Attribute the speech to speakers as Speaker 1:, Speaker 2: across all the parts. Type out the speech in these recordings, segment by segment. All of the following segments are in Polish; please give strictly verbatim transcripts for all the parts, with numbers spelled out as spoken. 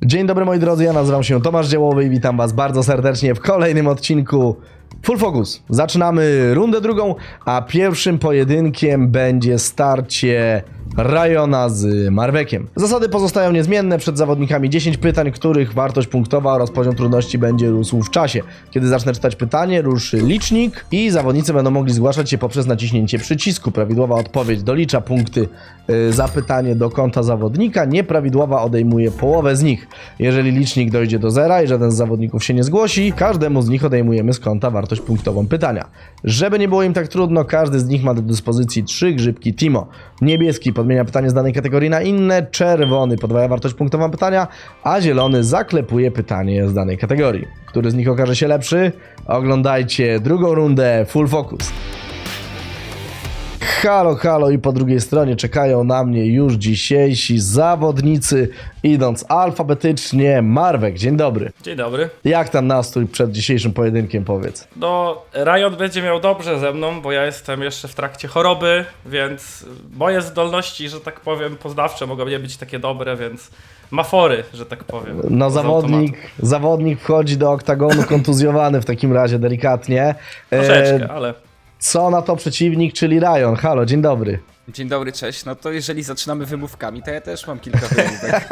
Speaker 1: Dzień dobry moi drodzy, ja nazywam się Tomasz Dziełowy i witam was bardzo serdecznie w kolejnym odcinku Full Focus. Zaczynamy rundę drugą, a pierwszym pojedynkiem będzie starcie Ryona z Marvekiem. Zasady pozostają niezmienne, przed zawodnikami dziesięć pytań, których wartość punktowa oraz poziom trudności będzie rósł w czasie. Kiedy zacznę czytać pytanie, ruszy licznik i zawodnicy będą mogli zgłaszać się poprzez naciśnięcie przycisku. Prawidłowa odpowiedź dolicza punkty yy, za pytanie do konta zawodnika, nieprawidłowa odejmuje połowę z nich. Jeżeli licznik dojdzie do zera i żaden z zawodników się nie zgłosi, każdemu z nich odejmujemy z konta wartość punktową pytania. Żeby nie było im tak trudno, każdy z nich ma do dyspozycji trzy grzybki Timo. Niebieski podmienia pytanie z danej kategorii na inne, czerwony podwaja wartość punktową pytania, a zielony zaklepuje pytanie z danej kategorii. Który z nich okaże się lepszy? Oglądajcie drugą rundę Full Focus. Halo, halo i po drugiej stronie czekają na mnie już dzisiejsi zawodnicy, idąc alfabetycznie. Marvek, dzień dobry.
Speaker 2: Dzień dobry.
Speaker 1: Jak tam nastrój przed dzisiejszym pojedynkiem, powiedz?
Speaker 2: No, Ryan będzie miał dobrze ze mną, bo ja jestem jeszcze w trakcie choroby, więc moje zdolności, że tak powiem, poznawcze mogą nie być takie dobre, więc ma fory, że tak powiem.
Speaker 1: No zawodnik, zawodnik wchodzi do oktagonu kontuzjowany w takim razie delikatnie.
Speaker 2: Troszeczkę, ale...
Speaker 1: Co na to przeciwnik, czyli Ryan. Halo, dzień dobry.
Speaker 3: Dzień dobry, cześć. No to jeżeli zaczynamy wymówkami, to ja też mam kilka wymówek.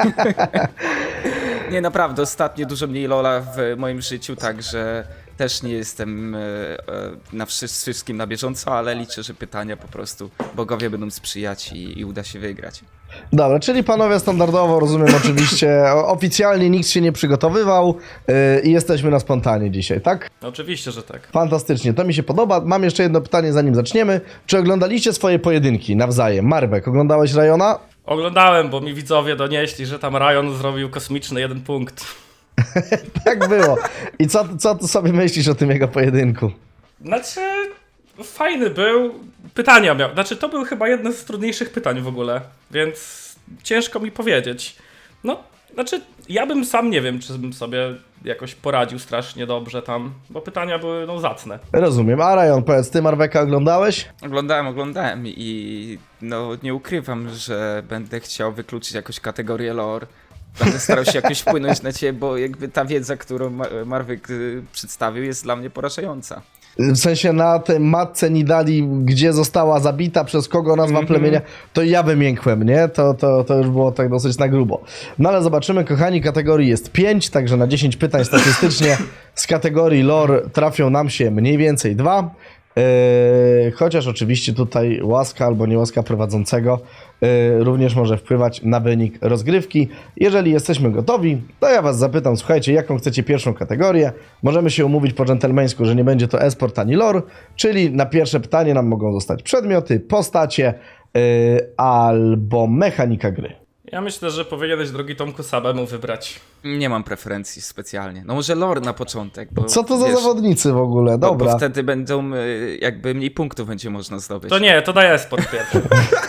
Speaker 3: Nie, naprawdę, ostatnio dużo mniej Lola w moim życiu, także też nie jestem e, e, na wszystkim na bieżąco, ale liczę, że pytania po prostu bogowie będą sprzyjać i, i uda się wygrać.
Speaker 1: Dobra, czyli panowie standardowo, rozumiem oczywiście, oficjalnie nikt się nie przygotowywał yy, i jesteśmy na spontanie dzisiaj, tak?
Speaker 2: No, oczywiście, że tak.
Speaker 1: Fantastycznie, to mi się podoba. Mam jeszcze jedno pytanie, zanim zaczniemy. Czy oglądaliście swoje pojedynki nawzajem? Marvek, oglądałeś Ryona?
Speaker 2: Oglądałem, bo mi widzowie donieśli, że tam Ryan zrobił kosmiczny jeden punkt.
Speaker 1: Tak było. I co, co ty sobie myślisz o tym jego pojedynku?
Speaker 2: Znaczy, fajny był. Pytania miał. Znaczy, to był chyba jedno z trudniejszych pytań w ogóle, więc ciężko mi powiedzieć. No, znaczy, ja bym sam nie wiem, czy bym sobie jakoś poradził strasznie dobrze tam, bo pytania były, no, zacne.
Speaker 1: Rozumiem. A Ryan, powiedz, ty Marveka oglądałeś?
Speaker 3: Oglądałem, oglądałem i no nie ukrywam, że będę chciał wykluczyć jakąś kategorię lore. Będę starał się jakoś wpłynąć na ciebie, bo jakby ta wiedza, którą Marvek przedstawił, jest dla mnie porażająca.
Speaker 1: W sensie na tej matce Nidali, gdzie została zabita, przez kogo nazwa
Speaker 3: Mm-hmm.
Speaker 1: plemienia, to ja wymiękłem, nie? To, to, to już było tak dosyć na grubo. No ale zobaczymy, kochani, kategorii jest pięć, także na dziesięć pytań statystycznie z kategorii lore trafią nam się mniej więcej dwa. Yy, chociaż oczywiście tutaj łaska albo niełaska prowadzącego yy, również może wpływać na wynik rozgrywki. Jeżeli jesteśmy gotowi, to ja was zapytam, słuchajcie, jaką chcecie pierwszą kategorię. Możemy się umówić po dżentelmeńsku, że nie będzie to e-sport ani lore, czyli na pierwsze pytanie nam mogą zostać przedmioty, postacie yy, albo mechanika gry.
Speaker 2: Ja myślę, że powinieneś, drogi Tomku, samemu wybrać.
Speaker 3: Nie mam preferencji specjalnie. No może lore na początek, bo
Speaker 1: Co to za
Speaker 3: wiesz,
Speaker 1: zawodnicy w ogóle?
Speaker 3: Bo,
Speaker 1: Dobra.
Speaker 3: bo wtedy będą y, jakby mniej punktów będzie można zdobyć.
Speaker 2: To nie, to daj sport pierwszy.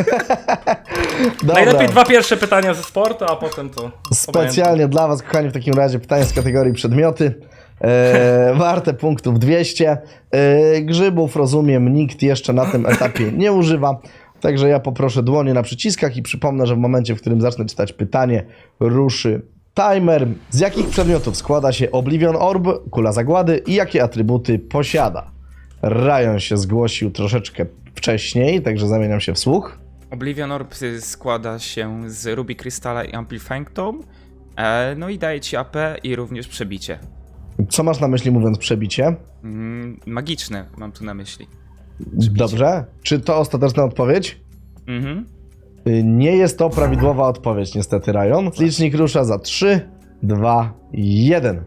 Speaker 1: Dobra.
Speaker 2: Najlepiej dwa pierwsze pytania ze sportu, a potem to...
Speaker 1: Specjalnie dla was, kochani, w takim razie pytanie z kategorii przedmioty. E, warte punktów dwieście. E, grzybów, rozumiem, nikt jeszcze na tym etapie nie używa. Także ja poproszę dłonie na przyciskach i przypomnę, że w momencie, w którym zacznę czytać pytanie, ruszy timer. Z jakich przedmiotów składa się Oblivion Orb, kula zagłady i jakie atrybuty posiada? Ryan się zgłosił troszeczkę wcześniej, także zamieniam się w słuch.
Speaker 3: Oblivion Orb składa się z Ruby Crystala i Amplifying Tome, e, no i daje ci A P i również przebicie.
Speaker 1: Co masz na myśli, mówiąc przebicie?
Speaker 3: Mm, magiczne mam tu na myśli.
Speaker 1: Dobrze. Czy to ostateczna odpowiedź?
Speaker 3: Mhm.
Speaker 1: Nie jest to prawidłowa odpowiedź, niestety, Ryan. Licznik rusza za trzy, dwa, jeden.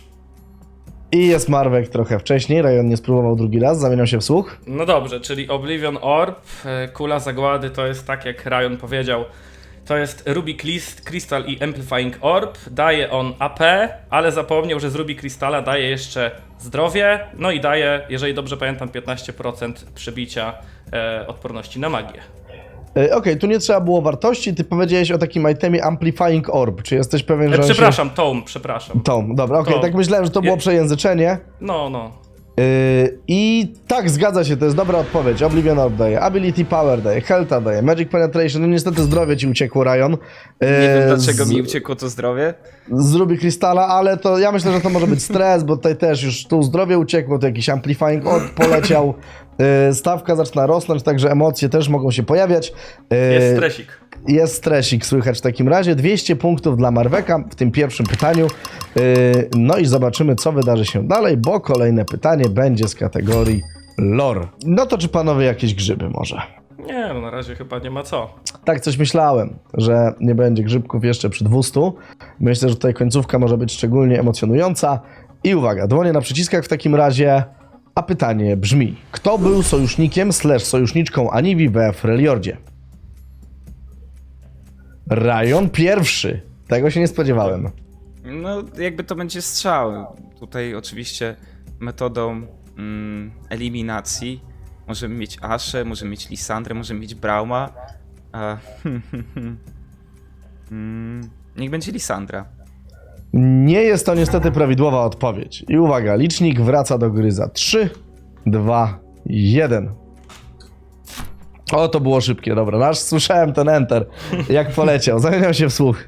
Speaker 1: I jest Marvek trochę wcześniej. Ryan nie spróbował drugi raz, zamieniam się w słuch.
Speaker 2: No dobrze, czyli Oblivion Orb, e, kula zagłady to jest tak jak Ryan powiedział, to jest Ruby Crystal i Amplifying Orb, daje on A P, ale zapomniał, że z Ruby Crystala daje jeszcze zdrowie, no i daje, jeżeli dobrze pamiętam, piętnaście procent przebicia e, odporności na magię.
Speaker 1: Yy, Okej, okay, tu nie trzeba było wartości, ty powiedziałeś o takim itemie Amplifying Orb. Czy jesteś pewien,
Speaker 2: E,
Speaker 1: że
Speaker 2: przepraszam,
Speaker 1: się...
Speaker 2: Tome, przepraszam.
Speaker 1: Tom, dobra, okej, okay,
Speaker 2: Tom.
Speaker 1: tak myślałem, że to było
Speaker 2: Je...
Speaker 1: przejęzyczenie.
Speaker 2: No, no.
Speaker 1: Yy, I tak, zgadza się, to jest dobra odpowiedź. Oblivion Orb daje, Ability Power daje, Health daje, Magic Penetration, no niestety zdrowie ci uciekło, Ryan. Yy,
Speaker 3: Nie wiem dlaczego
Speaker 1: z,
Speaker 3: mi uciekło to zdrowie.
Speaker 1: z Ruby Crystala, ale to ja myślę, że to może być stres, bo tutaj też już tu zdrowie uciekło, to jakiś Amplifying Orb poleciał, yy, stawka zaczyna rosnąć, także emocje też mogą się pojawiać. Yy,
Speaker 2: Jest stresik.
Speaker 1: Jest stresik, słychać w takim razie. dwieście punktów dla Marweka w tym pierwszym pytaniu. Yy, no i zobaczymy, co wydarzy się dalej, bo kolejne pytanie będzie z kategorii lore. No to czy panowie jakieś grzyby może?
Speaker 2: Nie, no na razie chyba nie ma co.
Speaker 1: Tak coś myślałem, że nie będzie grzybków jeszcze przy dwieście. Myślę, że tutaj końcówka może być szczególnie emocjonująca. I uwaga, dłonie na przyciskach w takim razie. A pytanie brzmi, kto był sojusznikiem slash sojuszniczką Anivi we Freljordzie? Ryan pierwszy. Tego się nie spodziewałem.
Speaker 3: No, jakby to będzie strzał. Tutaj oczywiście metodą mm, eliminacji możemy mieć Ashe, możemy mieć Lisandrę, możemy mieć Brauma. A, mm, niech będzie Lisandra.
Speaker 1: Nie jest to niestety prawidłowa odpowiedź. I uwaga, licznik wraca do gry za trzy, dwa, jeden. O, to było szybkie, dobra. Aż słyszałem ten enter, jak poleciał. Zamieniał się w słuch.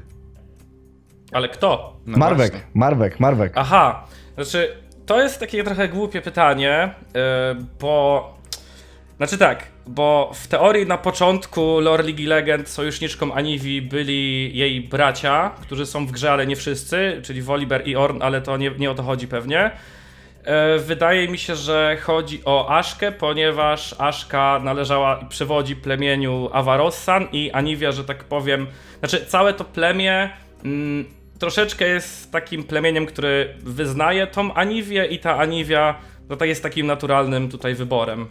Speaker 2: Ale kto?
Speaker 3: No
Speaker 1: Marwek,
Speaker 3: właśnie.
Speaker 1: Marwek, Marwek.
Speaker 2: Aha, znaczy to jest takie trochę głupie pytanie, yy, bo... Znaczy tak, bo w teorii na początku lore League Legend sojuszniczką Anivi byli jej bracia, którzy są w grze, ale nie wszyscy, czyli Volibear i Ornn, ale to nie, nie o to chodzi pewnie. Yy, wydaje mi się, że chodzi o Ashkę, ponieważ Ashka należała i przewodzi plemieniu Avarossan i Anivia, że tak powiem, znaczy całe to plemię mm, troszeczkę jest takim plemieniem, który wyznaje tą Anivię i ta Aniwia no tak jest takim naturalnym tutaj wyborem.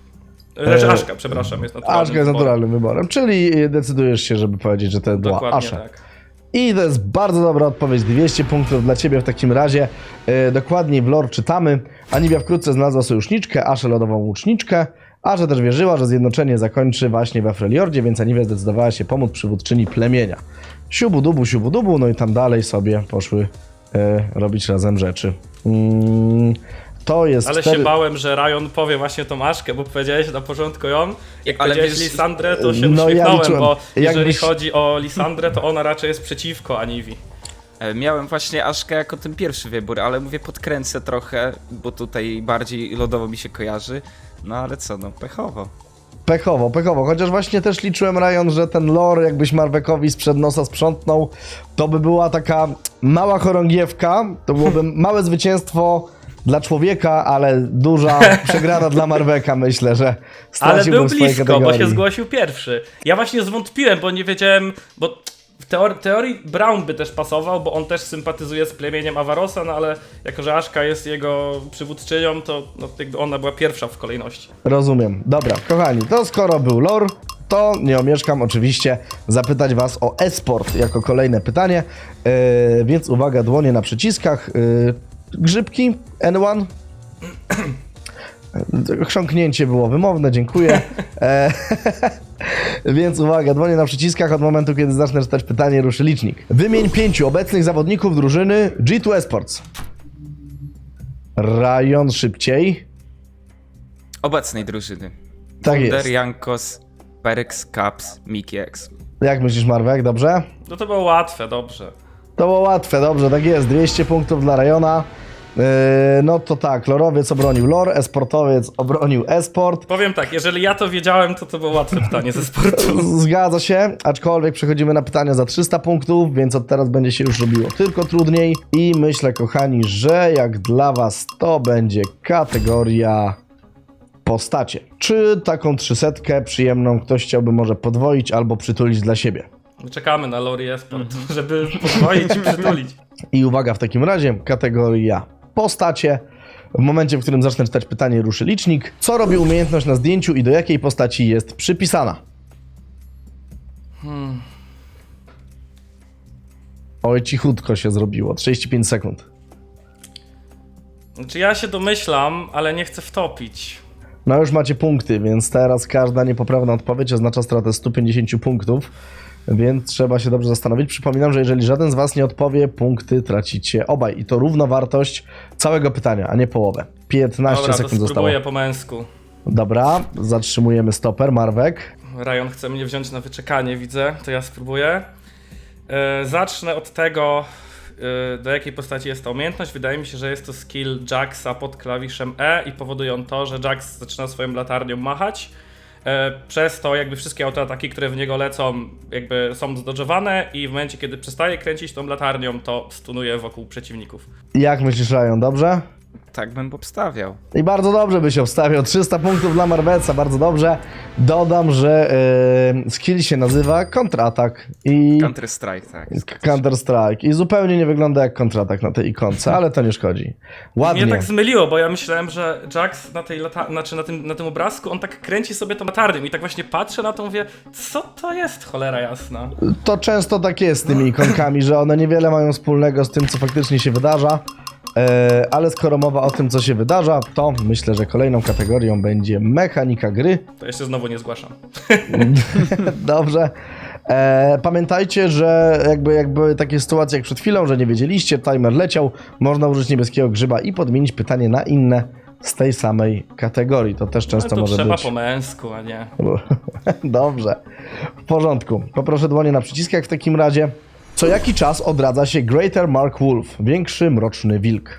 Speaker 2: Znaczy
Speaker 1: E,
Speaker 2: Ashka, przepraszam, jest naturalnym
Speaker 1: Aszka jest
Speaker 2: wyborem.
Speaker 1: naturalnym wyborem, czyli decydujesz się, żeby powiedzieć, że to była
Speaker 2: Dokładnie
Speaker 1: Asha.
Speaker 2: tak.
Speaker 1: I to jest bardzo dobra odpowiedź, dwieście punktów dla ciebie w takim razie. E, dokładniej w lore czytamy. Anivia wkrótce znalazła sojuszniczkę, Aszę lodową łuczniczkę. Asha też wierzyła, że zjednoczenie zakończy właśnie we Freljordzie, więc Anivia zdecydowała się pomóc przywódczyni plemienia. Siubu dubu, siubu dubu, no i tam dalej sobie poszły e, robić razem rzeczy. Mm, to jest
Speaker 2: Ale
Speaker 1: cztery...
Speaker 2: się bałem, że Ryan powie właśnie tą Aszkę, bo powiedziałeś na początku ją. Jak
Speaker 3: Ale
Speaker 2: powiedziałeś
Speaker 3: wiesz-
Speaker 2: Lisandrę, to się
Speaker 1: No ja
Speaker 2: uśmiechnąłem,
Speaker 1: liczyłem.
Speaker 2: bo jeżeli
Speaker 1: Jakbyś-
Speaker 2: chodzi o Lisandrę, to ona raczej jest przeciwko Anivi.
Speaker 3: E, Miałem właśnie Ashkę jako ten pierwszy wybór, ale mówię podkręcę trochę, bo tutaj bardziej lodowo mi się kojarzy. No ale co, no pechowo.
Speaker 1: Pechowo, pechowo, chociaż właśnie też liczyłem, Ryan, że ten lore jakbyś Marwekowi sprzed nosa sprzątnął, to by była taka mała chorągiewka, to byłoby małe zwycięstwo dla człowieka, ale duża przegrana dla Marweka, myślę, że
Speaker 2: Ale
Speaker 1: straciłbym
Speaker 2: był
Speaker 1: w swojej
Speaker 2: blisko, bo
Speaker 1: kategorii.
Speaker 2: się zgłosił pierwszy. Ja właśnie zwątpiłem, bo nie wiedziałem, bo w teorii, teorii Brown by też pasował, bo on też sympatyzuje z plemieniem Avarosa, no ale jako, że Ashka jest jego przywódczynią, to no, jakby ona była pierwsza w kolejności.
Speaker 1: Rozumiem. Dobra, kochani, to skoro był lore, to nie omieszkam oczywiście zapytać was o e-sport jako kolejne pytanie, yy, więc uwaga, dłonie na przyciskach. Yy, grzybki, anyone? Chrząknięcie było wymowne, dziękuję. E, Więc uwaga, dłonie na przyciskach, od momentu kiedy zacznę czytać pytanie, ruszy licznik. Wymień pięciu obecnych zawodników drużyny G dwa Esports. Ryan szybciej.
Speaker 3: Obecnej drużyny.
Speaker 1: Tak
Speaker 3: Wunder,
Speaker 1: jest.
Speaker 3: Jankos, Perex, Caps, Mickey X.
Speaker 1: Jak myślisz, Marwek, dobrze?
Speaker 2: No to było łatwe, dobrze.
Speaker 1: To było łatwe, dobrze, tak jest. dwieście punktów dla Ryana. Yy, no to tak, lorowiec obronił lore, esportowiec obronił esport.
Speaker 2: Powiem tak, jeżeli ja to wiedziałem, to to było łatwe pytanie ze sportu.
Speaker 1: Zgadza się, aczkolwiek przechodzimy na pytania za trzysta punktów, więc od teraz będzie się już robiło tylko trudniej. I myślę, kochani, że jak dla was to będzie kategoria postacie. Czy taką trzysetkę przyjemną ktoś chciałby może podwoić albo przytulić dla siebie?
Speaker 2: Czekamy na Lori Esport, żeby podwoić i przytulić.
Speaker 1: I uwaga, w takim razie kategoria postacie. W momencie, w którym zacznę czytać pytanie, ruszy licznik. Co robi umiejętność na zdjęciu i do jakiej postaci jest przypisana?
Speaker 2: Hmm.
Speaker 1: Oj, cichutko się zrobiło. trzydzieści pięć sekund.
Speaker 2: Znaczy ja się domyślam, ale nie chcę wtopić.
Speaker 1: No już macie punkty, więc teraz każda niepoprawna odpowiedź oznacza stratę stu pięćdziesięciu punktów, więc trzeba się dobrze zastanowić. Przypominam, że jeżeli żaden z was nie odpowie, punkty tracicie obaj i to równowartość całego pytania, a nie połowę. piętnaście
Speaker 2: Dobra, to
Speaker 1: sekund zostało.
Speaker 2: spróbuję po męsku.
Speaker 1: Dobra, zatrzymujemy stoper, Marwek.
Speaker 2: Ryan chce mnie wziąć na wyczekanie, widzę, to ja spróbuję. Yy, zacznę od tego, yy, do jakiej postaci jest ta umiejętność. Wydaje mi się, że jest to skill Jaxa pod klawiszem E i powoduje on to, że Jax zaczyna swoją latarnią machać. Yy, przez to jakby wszystkie autoataki, które w niego lecą, jakby są zdodżowane i w momencie, kiedy przestaje kręcić tą latarnią, to stunuje wokół przeciwników.
Speaker 1: Jak myślisz, Ryan, dobrze?
Speaker 3: Tak bym obstawiał.
Speaker 1: I bardzo dobrze by się obstawiał. trzysta punktów dla Marweca, bardzo dobrze. Dodam, że yy, skill się nazywa kontratak i
Speaker 3: Counter Strike, tak.
Speaker 1: Counter Strike. I zupełnie nie wygląda jak kontratak na tej ikonce, ale to nie szkodzi. Ładnie.
Speaker 2: Mnie tak zmyliło, bo ja myślałem, że Jax na tej lata- znaczy na tym, na tym obrazku, on tak kręci sobie tą latarnią i tak właśnie patrzę na to, mówię, co to jest, cholera jasna.
Speaker 1: To często tak jest z tymi ikonkami, że one niewiele mają wspólnego z tym, co faktycznie się wydarza. E, ale skoro mowa o tym, co się wydarza, to myślę, że kolejną kategorią będzie mechanika gry.
Speaker 2: To jeszcze znowu nie zgłaszam.
Speaker 1: Dobrze. E, pamiętajcie, że jakby, jakby takie sytuacje jak przed chwilą, że nie wiedzieliście, timer leciał, można użyć niebieskiego grzyba i podmienić pytanie na inne z tej samej kategorii. To też często
Speaker 2: No to
Speaker 1: może
Speaker 2: trzeba
Speaker 1: być.
Speaker 2: po męsku, a nie.
Speaker 1: Dobrze. W porządku. Poproszę dłonie na przyciskach w takim razie. Co jaki czas odradza się Greater Mark Wolf, większy mroczny wilk?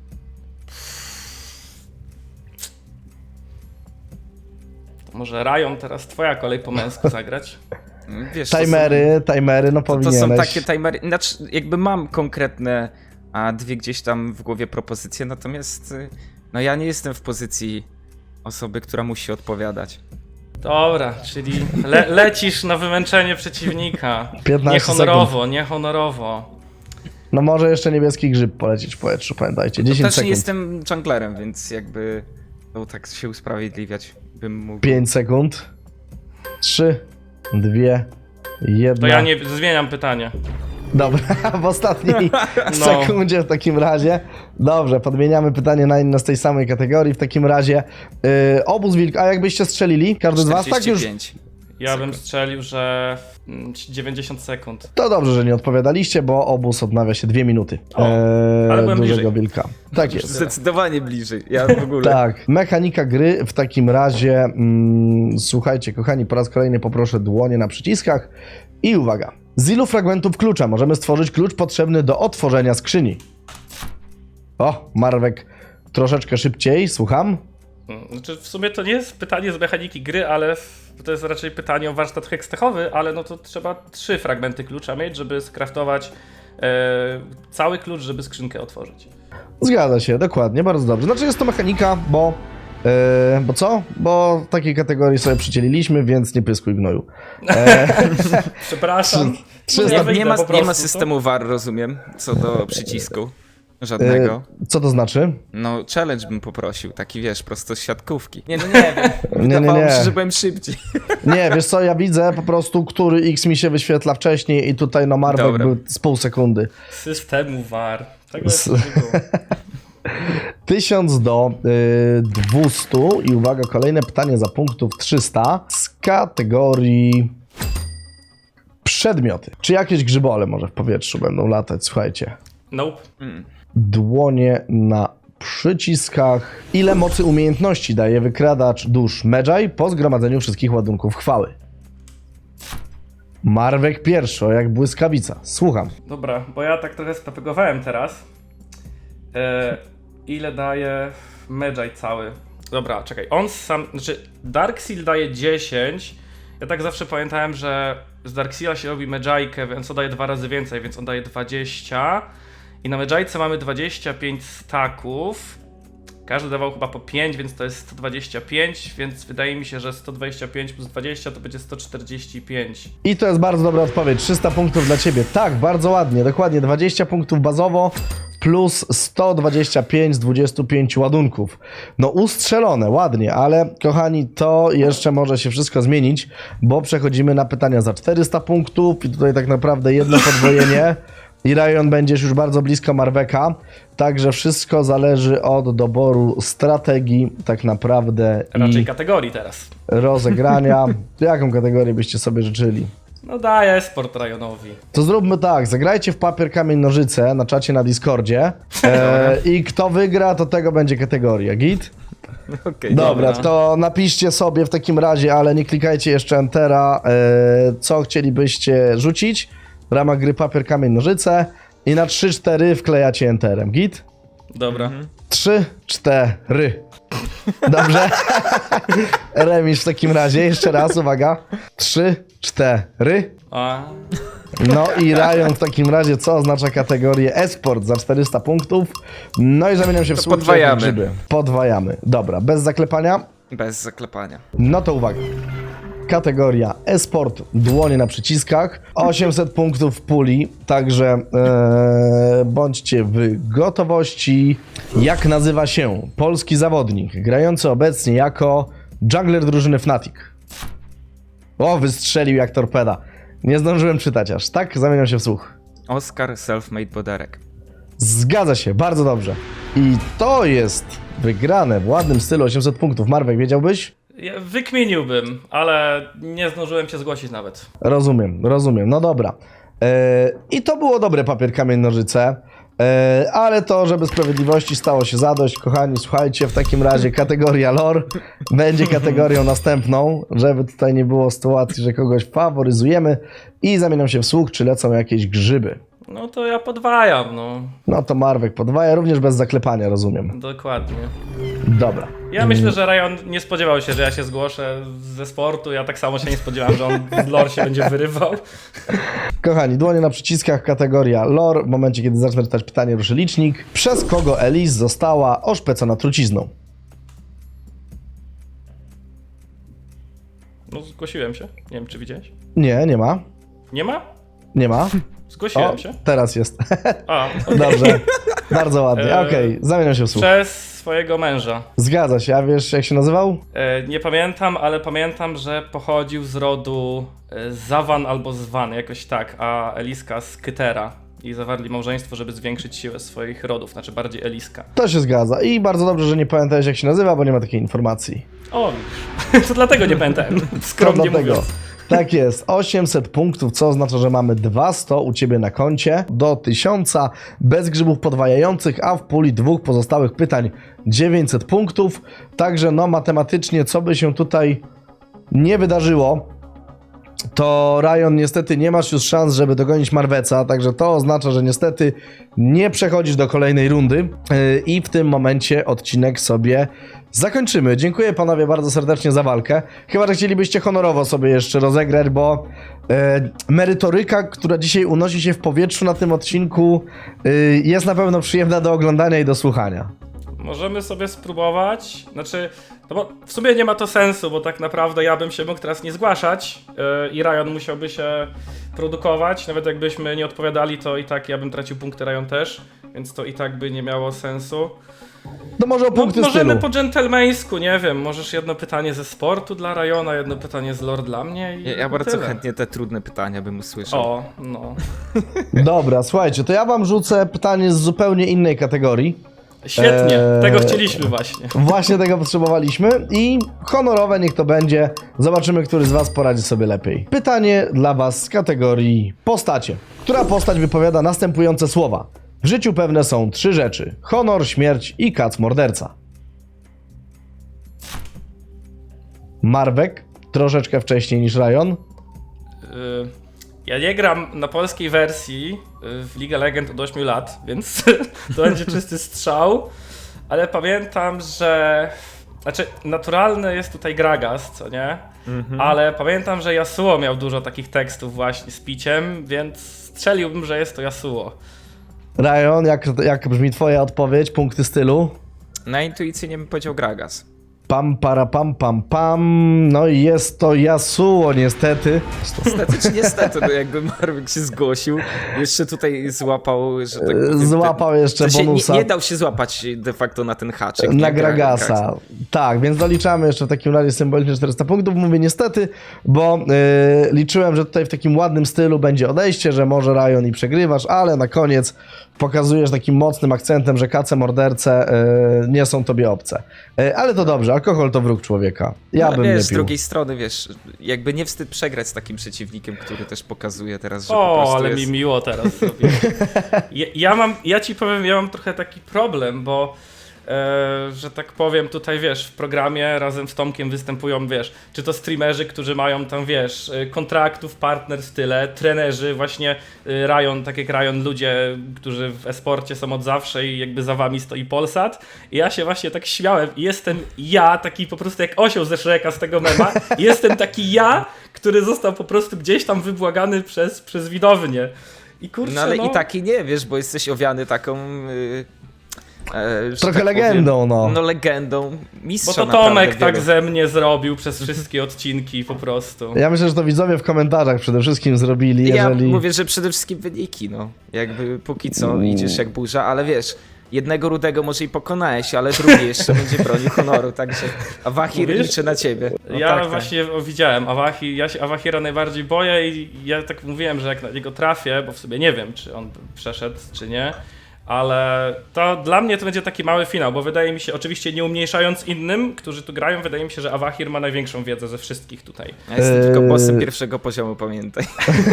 Speaker 2: To może Ryan, teraz twoja kolej po męsku zagrać.
Speaker 3: Wiesz, to
Speaker 1: Timery, timery, no
Speaker 3: są, to, to
Speaker 1: powinieneś.
Speaker 3: są takie timery, znaczy jakby mam konkretne, a dwie gdzieś tam w głowie propozycje, natomiast y, no ja nie jestem w pozycji osoby, która musi odpowiadać.
Speaker 2: Dobra, czyli le- lecisz na wymęczenie przeciwnika.
Speaker 1: piętnaście
Speaker 2: Niehonorowo, niehonorowo.
Speaker 1: No może jeszcze niebieski grzyb polecieć w powietrzu, pamiętajcie.
Speaker 3: To
Speaker 1: dziesięć
Speaker 3: też
Speaker 1: sekund.
Speaker 3: nie jestem junglerem, więc jakby to tak się usprawiedliwiać bym mógł.
Speaker 1: pięć sekund. trzy, dwa, jeden.
Speaker 2: To ja nie zmieniam pytania.
Speaker 1: Dobra, w ostatniej
Speaker 2: No.
Speaker 1: sekundzie w takim razie. Dobrze, podmieniamy pytanie na inne z tej samej kategorii. W takim razie yy, obóz wilk, a jakbyście strzelili? Każdy z was tak już?
Speaker 3: czterdzieści pięć.
Speaker 2: Ja bym strzelił, że mm, dziewięćdziesiąt sekund.
Speaker 1: To dobrze, że nie odpowiadaliście, bo obóz odnawia się dwie minuty.
Speaker 2: O, ale byłem
Speaker 1: dużego
Speaker 2: bliżej.
Speaker 1: wilka. Tak jest.
Speaker 3: Zdecydowanie bliżej, ja w ogóle.
Speaker 1: Tak, mechanika gry w takim razie. Mm, słuchajcie, kochani, po raz kolejny poproszę dłonie na przyciskach i uwaga. Z ilu fragmentów klucza możemy stworzyć klucz potrzebny do otworzenia skrzyni? O, Marwek troszeczkę szybciej, słucham.
Speaker 2: Znaczy w sumie to nie jest pytanie z mechaniki gry, ale w- to jest raczej pytanie o warsztat hekstechowy, ale no to trzeba trzy fragmenty klucza mieć, żeby skraftować e, cały klucz, żeby skrzynkę otworzyć.
Speaker 1: Zgadza się, dokładnie, bardzo dobrze. Znaczy jest to mechanika, bo... Yy, bo co? Bo takiej kategorii sobie przydzieliliśmy, więc nie pyskuj gnoju.
Speaker 2: Przepraszam.
Speaker 1: trzy-
Speaker 2: Nie
Speaker 1: trzysta
Speaker 2: wyjdę
Speaker 3: Nie ma,
Speaker 2: po
Speaker 3: nie
Speaker 2: prostu,
Speaker 3: ma
Speaker 2: co?
Speaker 3: systemu V A R, rozumiem, co do przycisku. Żadnego.
Speaker 1: Yy, co to znaczy?
Speaker 3: No, challenge bym poprosił, taki wiesz, prosto z siatkówki. Nie, no nie wiem.
Speaker 1: Nie, nie,
Speaker 3: Wydawało mi się,
Speaker 1: nie.
Speaker 3: że byłem szybciej.
Speaker 1: Nie, wiesz co, ja widzę po prostu, który X mi się wyświetla wcześniej i tutaj no Marwek
Speaker 3: Dobra.
Speaker 1: był z pół sekundy.
Speaker 2: Systemu V A R. Tego
Speaker 1: S-
Speaker 2: jeszcze nie było.
Speaker 1: tysiąc do y, dwustu i uwaga, kolejne pytanie za punktów trzysta z kategorii przedmioty. Czy jakieś grzybole może w powietrzu będą latać? Słuchajcie.
Speaker 2: Nope.
Speaker 1: Dłonie na przyciskach. Ile mocy umiejętności daje wykradacz dusz Medjay po zgromadzeniu wszystkich ładunków chwały? Marwek pierwszy, o jak błyskawica. Słucham.
Speaker 2: Dobra, bo ja tak trochę spepegowałem teraz. E, ile daje Medjay cały? Dobra, czekaj, on sam, znaczy Darkseal daje dziesięć. Ja tak zawsze pamiętałem, że z Darkseala się robi Medjaykę, więc on daje dwa razy więcej, więc on daje dwadzieścia. I na Medjayce mamy dwadzieścia pięć staków. Każdy dawał chyba po pięć, więc to jest sto dwadzieścia pięć, więc wydaje mi się, że sto dwadzieścia pięć plus dwadzieścia to będzie sto czterdzieści pięć.
Speaker 1: I to jest bardzo dobra odpowiedź. trzysta punktów dla ciebie. Tak, bardzo ładnie. Dokładnie dwadzieścia punktów bazowo plus sto dwadzieścia pięć z dwudziestu pięciu ładunków. No ustrzelone, ładnie, ale kochani, to jeszcze może się wszystko zmienić, bo przechodzimy na pytania za czterysta punktów i tutaj tak naprawdę jedno podwojenie. I Ryan będziesz już bardzo blisko Marweka, także wszystko zależy od doboru strategii tak naprawdę
Speaker 2: Raczej
Speaker 1: i
Speaker 2: kategorii teraz.
Speaker 1: rozegrania. Jaką kategorię byście sobie życzyli?
Speaker 2: No daję sport Ryonowi.
Speaker 1: To zróbmy tak, zagrajcie w papier, kamień, nożyce na czacie na Discordzie e, i kto wygra, to tego będzie kategoria, git?
Speaker 3: Okej,
Speaker 1: Dobra,
Speaker 2: dobra.
Speaker 1: to napiszcie sobie w takim razie, ale nie klikajcie jeszcze Entera, e, co chcielibyście rzucić w ramach gry papier, kamień, nożyce i na trzy cztery wklejacie Enterem, git?
Speaker 2: Dobra.
Speaker 1: trzy cztery. Dobrze? Remis w takim razie, jeszcze raz, uwaga. trzy cztery.
Speaker 2: A,
Speaker 1: No i Ryan w takim razie, co oznacza kategorię e-sport za czterysta punktów. No i zamieniam się w
Speaker 3: To
Speaker 1: słupcze
Speaker 3: podwajamy.
Speaker 1: grzyby. Podwajamy. Dobra, bez zaklepania.
Speaker 3: Bez zaklepania.
Speaker 1: No to uwaga. Kategoria e-sport, dłonie na przyciskach, osiemset punktów w puli, także e, bądźcie w gotowości. Jak nazywa się polski zawodnik grający obecnie jako jungler drużyny Fnatic? O, wystrzelił jak torpeda. Nie zdążyłem czytać aż, tak? Zamieniam się w słuch.
Speaker 3: Oscar Selfmade Boderek.
Speaker 1: Zgadza się, bardzo dobrze. I to jest wygrane w ładnym stylu, osiemset punktów. Marwek, wiedziałbyś?
Speaker 2: ja wykminiłbym, ale nie zdążyłem się zgłosić nawet.
Speaker 1: Rozumiem, rozumiem. No dobra. E, I to było dobre papier, kamień, nożyce. E, ale to, żeby sprawiedliwości stało się zadość, kochani, słuchajcie, w takim razie kategoria lore będzie kategorią następną, żeby tutaj nie było sytuacji, że kogoś faworyzujemy i zamieniam się w słuch, czy lecą jakieś grzyby.
Speaker 2: No to ja podwajam, no.
Speaker 1: No to Marwek podwaja, również bez zaklepania, rozumiem.
Speaker 2: Dokładnie.
Speaker 1: Dobra.
Speaker 2: Ja myślę, że Ryan nie spodziewał się, że ja się zgłoszę ze sportu. Ja tak samo się nie spodziewałem, że on z lore się będzie wyrywał.
Speaker 1: Kochani, dłonie na przyciskach, kategoria lore. W momencie, kiedy zacznę czytać pytanie, ruszy licznik. Przez kogo Elise została oszpecona trucizną?
Speaker 2: No zgłosiłem się. Nie wiem, czy widziałeś.
Speaker 1: Nie, nie ma.
Speaker 2: Nie ma?
Speaker 1: Nie ma.
Speaker 2: Zgłosiłem
Speaker 1: O,
Speaker 2: się.
Speaker 1: teraz jest.
Speaker 2: A, okej.
Speaker 1: Dobrze. Bardzo ładnie.
Speaker 2: Eee,
Speaker 1: Okej, zamieniam się w słuch.
Speaker 2: Przez swojego męża.
Speaker 1: Zgadza się. A wiesz, jak się nazywał?
Speaker 2: E, nie pamiętam, ale pamiętam, że pochodził z rodu e, Zawan albo Zwan, jakoś tak, a Eliska z Kytera. I zawarli małżeństwo, żeby zwiększyć siłę swoich rodów, znaczy bardziej Eliska.
Speaker 1: To się zgadza. I bardzo dobrze, że nie pamiętałeś, jak się nazywa, bo nie ma takiej informacji.
Speaker 2: O, widzisz. To dlatego nie pamiętałem, skromnie
Speaker 1: To dlatego.
Speaker 2: mówiąc.
Speaker 1: Tak jest, osiemset punktów, co oznacza, że mamy dwieście u Ciebie na koncie do tysiąca, bez grzybów podwajających, a w puli dwóch pozostałych pytań dziewięćset punktów. Także no matematycznie, co by się tutaj nie wydarzyło, to Ryan niestety nie masz już szans, żeby dogonić Marweca, także to oznacza, że niestety nie przechodzisz do kolejnej rundy yy, i w tym momencie odcinek sobie zakończymy. Dziękuję panowie bardzo serdecznie za walkę. Chyba, że chcielibyście honorowo sobie jeszcze rozegrać, bo yy, merytoryka, która dzisiaj unosi się w powietrzu na tym odcinku, yy, jest na pewno przyjemna do oglądania i do słuchania.
Speaker 2: Możemy sobie spróbować, znaczy, no bo w sumie nie ma to sensu, bo tak naprawdę ja bym się mógł teraz nie zgłaszać yy, i Ryan musiałby się produkować, nawet jakbyśmy nie odpowiadali, to i tak ja bym tracił punkty, Ryan też, więc to i tak by nie miało sensu.
Speaker 1: To może o
Speaker 2: No,
Speaker 1: punkty
Speaker 2: możemy
Speaker 1: stylu.
Speaker 2: po dżentelmeńsku, nie wiem, możesz jedno pytanie ze sportu dla Ryana, jedno pytanie z lore dla mnie i
Speaker 3: Ja, ja
Speaker 2: i
Speaker 3: bardzo
Speaker 2: tyle.
Speaker 3: chętnie te trudne pytania bym usłyszał.
Speaker 2: O, no.
Speaker 1: Dobra, słuchajcie, to ja wam rzucę pytanie z zupełnie innej kategorii.
Speaker 2: Świetnie,
Speaker 1: Eee,
Speaker 2: tego chcieliśmy właśnie.
Speaker 1: Właśnie tego potrzebowaliśmy i honorowe niech to będzie. Zobaczymy, który z was poradzi sobie lepiej. Pytanie dla was z kategorii postacie. Która postać wypowiada następujące słowa? W życiu pewne są trzy rzeczy. Honor, śmierć i kac morderca. Marwek, troszeczkę wcześniej niż Ryan.
Speaker 2: Y, Ja nie gram na polskiej wersji y, w League of Legends od ośmiu lat, więc to będzie czysty strzał, ale pamiętam, że... Znaczy, naturalny jest tutaj Gragas, co nie?
Speaker 3: Mhm.
Speaker 2: Ale pamiętam, że Yasuo miał dużo takich tekstów właśnie z piciem, więc strzeliłbym, że jest to Yasuo.
Speaker 1: Ryan, jak, jak brzmi twoja odpowiedź? Punkty stylu?
Speaker 3: Na intuicyjnie bym powiedział Gragas.
Speaker 1: Pam, para, pam, pam, pam. No i jest to Yasuo, niestety.
Speaker 3: Niestety czy niestety, no jakby Marwyk się zgłosił, jeszcze tutaj złapał, że tak powiem,
Speaker 1: Złapał jeszcze
Speaker 3: to się
Speaker 1: bonusa
Speaker 3: nie, nie dał się złapać de facto na ten haczyk.
Speaker 1: na
Speaker 3: nie?
Speaker 1: Gragasa. Tak, więc doliczamy jeszcze w takim razie symbolicznie czterysta punktów. Mówię niestety, bo yy, liczyłem, że tutaj w takim ładnym stylu będzie odejście, że może Ryan i przegrywasz, ale na koniec pokazujesz takim mocnym akcentem, że kace morderce y, nie są tobie obce. Y, ale to dobrze, alkohol to wróg człowieka. Ja
Speaker 3: no,
Speaker 1: bym
Speaker 3: wiesz,
Speaker 1: nie
Speaker 3: z
Speaker 1: pił.
Speaker 3: drugiej strony, wiesz, jakby nie wstyd przegrać z takim przeciwnikiem, który też pokazuje teraz, że po
Speaker 2: O,
Speaker 3: prostu
Speaker 2: ale
Speaker 3: jest...
Speaker 2: mi miło teraz zrobiło. Ja, ja mam, ja ci powiem, ja mam trochę taki problem, bo e, że tak powiem, tutaj wiesz, w programie razem z Tomkiem występują, wiesz, czy to streamerzy, którzy mają tam, wiesz, e, kontraktów, partner tyle, trenerzy, właśnie e, Ryan, tak jak Ryan, ludzie, którzy w e-sporcie są od zawsze i jakby za wami stoi Polsat. I ja się właśnie tak śmiałem i jestem ja, taki po prostu jak osioł ze Shreka z tego mema, i jestem taki ja, który został po prostu gdzieś tam wybłagany przez, przez widownię. I kurczę,
Speaker 3: No ale
Speaker 2: no,
Speaker 3: i tak i nie, wiesz, bo jesteś owiany taką... Yy, e, że
Speaker 1: Trochę
Speaker 3: tak
Speaker 1: legendą,
Speaker 3: powiem,
Speaker 1: no.
Speaker 3: No legendą
Speaker 2: bo
Speaker 3: mistrza
Speaker 2: to
Speaker 3: naprawdę
Speaker 2: Tomek tak
Speaker 3: wielu.
Speaker 2: ze mnie zrobił przez wszystkie odcinki po prostu.
Speaker 1: Ja myślę, że to widzowie w komentarzach przede wszystkim zrobili,
Speaker 3: Ja
Speaker 1: jeżeli...
Speaker 3: mówię, że przede wszystkim wyniki, no. Jakby póki co
Speaker 1: Mm.
Speaker 3: idziesz jak burza, ale wiesz, jednego rudego może i pokonałeś, ale drugi jeszcze będzie bronił honoru, także Awahir
Speaker 2: Mówisz?
Speaker 3: liczy na ciebie. No
Speaker 2: ja
Speaker 3: tak, tak.
Speaker 2: właśnie widziałem Awahi, ja się Awahira najbardziej boję i ja tak mówiłem, że jak na niego trafię, bo w sobie nie wiem, czy on przeszedł, czy nie, ale to dla mnie to będzie taki mały finał, bo wydaje mi się, oczywiście nie umniejszając innym, którzy tu grają, wydaje mi się, że Awahir ma największą wiedzę ze wszystkich tutaj.
Speaker 3: Ja jestem
Speaker 1: Eee.
Speaker 3: tylko bossem pierwszego poziomu, pamiętaj.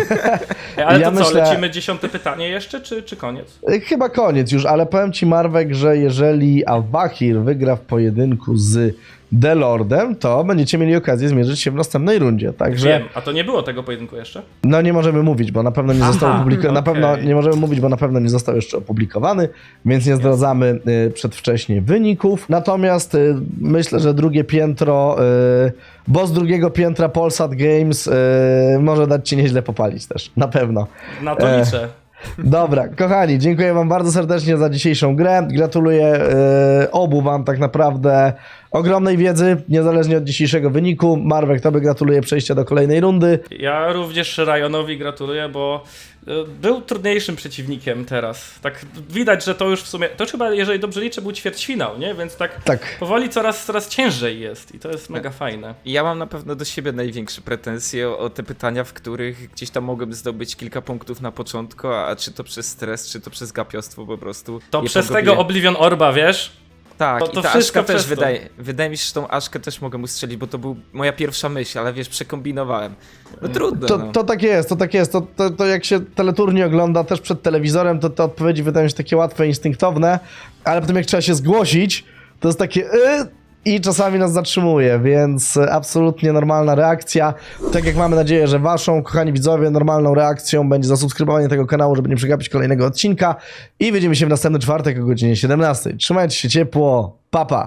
Speaker 2: Ej, Ale
Speaker 1: Ja
Speaker 2: to co,
Speaker 1: myślę-
Speaker 2: lecimy dziesiąte pytanie jeszcze, czy, czy koniec?
Speaker 1: Y, Chyba koniec już, ale powiem ci, Marwek, że jeżeli Awahir wygra w pojedynku z The Lordem, to będziecie mieli okazję zmierzyć się w następnej rundzie, także
Speaker 2: Wiem, a to nie było tego pojedynku jeszcze?
Speaker 1: no nie możemy mówić, bo na pewno nie
Speaker 2: Aha,
Speaker 1: został opublikowany, na
Speaker 2: okej.
Speaker 1: pewno nie możemy mówić, bo na pewno nie został jeszcze opublikowany, więc nie zdradzamy y, przedwcześnie wyników. Natomiast y, myślę, że drugie piętro, y, boss drugiego piętra Polsat Games y, może dać ci nieźle popalić też, na pewno.
Speaker 2: Na to
Speaker 1: E,
Speaker 2: liczę.
Speaker 1: Dobra, kochani, dziękuję wam bardzo serdecznie za dzisiejszą grę. Gratuluję e, obu wam tak naprawdę ogromnej wiedzy, niezależnie od dzisiejszego wyniku. Marwek, tobie gratuluję przejścia do kolejnej rundy.
Speaker 2: Ja również Ryonowi gratuluję, bo e, był trudniejszym przeciwnikiem teraz. Tak widać, że to już w sumie, to już chyba, jeżeli dobrze liczę, był ćwierćfinał, nie? Więc tak,
Speaker 1: Tak.
Speaker 2: powoli coraz, coraz ciężej jest i to jest mega fajne.
Speaker 3: I ja mam na pewno do siebie największe pretensje o, o te pytania, w których gdzieś tam mogłem zdobyć kilka punktów na początku, a czy to przez stres, czy to przez gapiostwo po prostu.
Speaker 2: To
Speaker 3: je
Speaker 2: przez
Speaker 3: pogubiłem.
Speaker 2: tego Oblivion Orba, wiesz?
Speaker 3: Tak,
Speaker 2: to-
Speaker 3: i
Speaker 2: to
Speaker 3: ta
Speaker 2: wszystko
Speaker 3: Aszka też
Speaker 2: przez to.
Speaker 3: wydaje, wydaje mi się, że tą Aszkę też mogę ustrzelić, bo to był moja pierwsza myśl, ale wiesz, przekombinowałem. No trudno,
Speaker 1: To,
Speaker 3: no.
Speaker 1: to tak jest, to tak jest. To, to, to jak się teleturniej ogląda też przed telewizorem, to te odpowiedzi wydają się takie łatwe, instynktowne, ale potem jak trzeba się zgłosić, to jest takie y, i czasami nas zatrzymuje, więc absolutnie normalna reakcja. Tak jak mamy nadzieję, że waszą, kochani widzowie, normalną reakcją będzie zasubskrybowanie tego kanału, żeby nie przegapić kolejnego odcinka i widzimy się w następny czwartek o godzinie siedemnastej. Trzymajcie się ciepło, pa pa!